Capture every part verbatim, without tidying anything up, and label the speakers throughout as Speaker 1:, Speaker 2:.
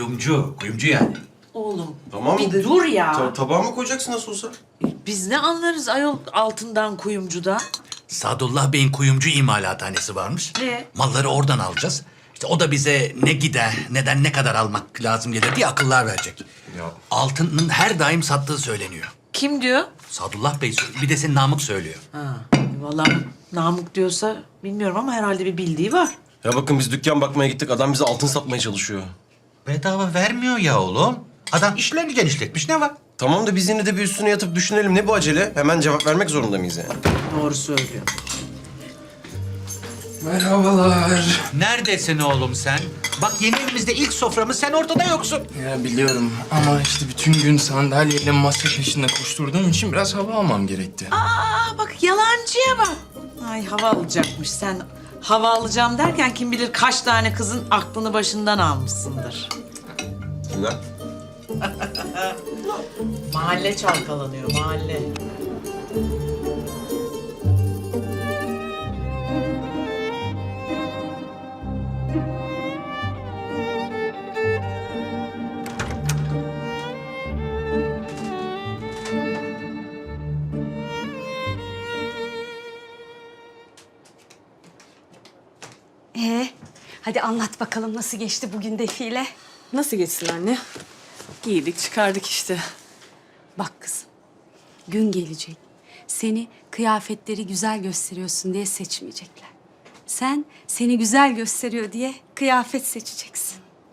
Speaker 1: Kuyumcu, kuyumcu yani.
Speaker 2: Oğlum
Speaker 3: Tamam
Speaker 2: bir
Speaker 3: de-
Speaker 2: dur ya.
Speaker 3: Ta- tabağa mı koyacaksın nasıl olsa?
Speaker 2: Biz ne anlarız ayol altından kuyumcuda?
Speaker 1: Sadullah Bey'in kuyumcu imalathanesi varmış.
Speaker 2: Ne?
Speaker 1: Malları oradan alacağız. İşte o da bize ne gider, neden ne kadar almak lazım gelir diye akıllar verecek.
Speaker 3: Ya.
Speaker 1: Altının her daim sattığı söyleniyor.
Speaker 2: Kim diyor?
Speaker 1: Sadullah Bey söylüyor. Bir de senin Namık söylüyor.
Speaker 2: Ha, vallahi Namık diyorsa bilmiyorum ama herhalde bir bildiği var.
Speaker 3: Ya bakın biz dükkan bakmaya gittik. Adam bize altın satmaya çalışıyor.
Speaker 1: Bedava vermiyor ya oğlum. Adam işlerini genişletmiş, ne var?
Speaker 3: Tamam da biz yine de bir üstüne yatıp düşünelim. Ne bu acele? Hemen cevap vermek zorunda mıyız yani?
Speaker 2: Doğru söylüyor.
Speaker 4: Merhabalar.
Speaker 1: Neredesin oğlum sen? Bak yeni evimizde ilk soframız, sen ortada yoksun.
Speaker 4: Ya biliyorum ama işte bütün gün sandalyeyle masa peşinde koşturduğum için biraz hava almam gerekti.
Speaker 2: Aa bak yalancıya bak. Ay hava alacakmış sen. Hava alacağım derken kim bilir kaç tane kızın aklını başından almışsındır.
Speaker 3: Kimler?
Speaker 2: Mahalle çalkalanıyor mahalle.
Speaker 5: Ee, hadi anlat bakalım nasıl geçti bugün defile?
Speaker 6: Nasıl geçsin anne? Giydik çıkardık işte.
Speaker 5: Bak kızım, gün gelecek. Seni kıyafetleri güzel gösteriyorsun diye seçmeyecekler. Sen seni güzel gösteriyor diye kıyafet seçeceksin.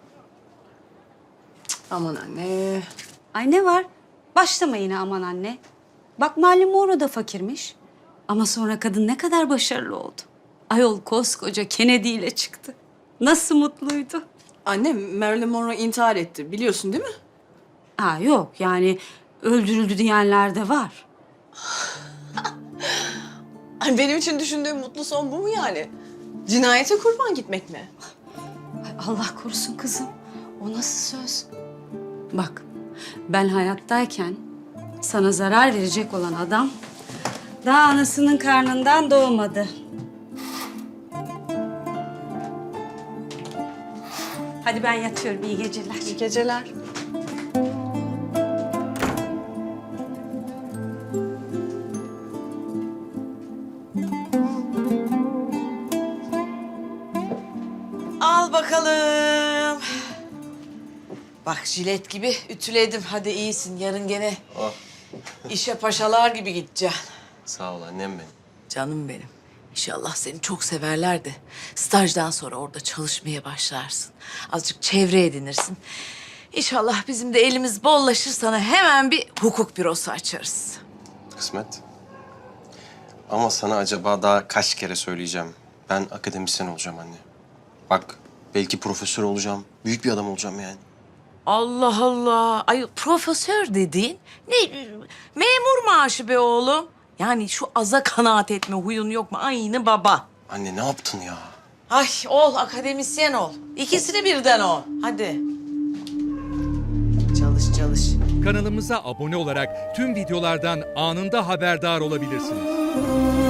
Speaker 6: Aman anne.
Speaker 5: Ay ne var? Başlama yine aman anne. Bak Marilyn Monroe da fakirmiş. Ama sonra kadın ne kadar başarılı oldu. Ayol koskoca Kennedy ile çıktı. Nasıl mutluydu.
Speaker 6: Anne Marilyn Monroe intihar etti biliyorsun değil mi?
Speaker 5: Ha yok yani öldürüldü diyenler de var.
Speaker 6: Ay, benim için düşündüğüm mutlu son bu mu yani? Cinayete kurban gitmek mi?
Speaker 5: Ay Allah korusun kızım. O nasıl söz? Bak ben hayattayken sana zarar verecek olan adam daha anasının karnından doğmadı. Hadi ben yatıyorum. İyi geceler.
Speaker 6: İyi geceler.
Speaker 2: Al bakalım. Bak jilet gibi ütüledim. Hadi iyisin. Yarın gene
Speaker 3: Ah,
Speaker 2: işe paşalar gibi gideceksin.
Speaker 3: sağ ol annem benim.
Speaker 2: Canım benim. İnşallah seni çok severler de stajdan sonra orada çalışmaya başlarsın. Azıcık çevre edinirsin. İnşallah bizim de elimiz bollaşır sana hemen bir hukuk bürosu açarız.
Speaker 3: Kısmet. Ama sana acaba daha kaç kere söyleyeceğim. Ben akademisyen olacağım anne. Bak belki profesör olacağım. Büyük bir adam olacağım yani.
Speaker 2: Allah Allah. Ay profesör dediğin ne memur maaşı be oğlum. Yani şu aza kanaat etme huyun yok mu? Aynı baba.
Speaker 3: Anne ne yaptın ya?
Speaker 2: Ay ol akademisyen ol. İkisini birden ol. Hadi. Çalış çalış.
Speaker 7: Kanalımıza abone olarak tüm videolardan anında haberdar olabilirsiniz.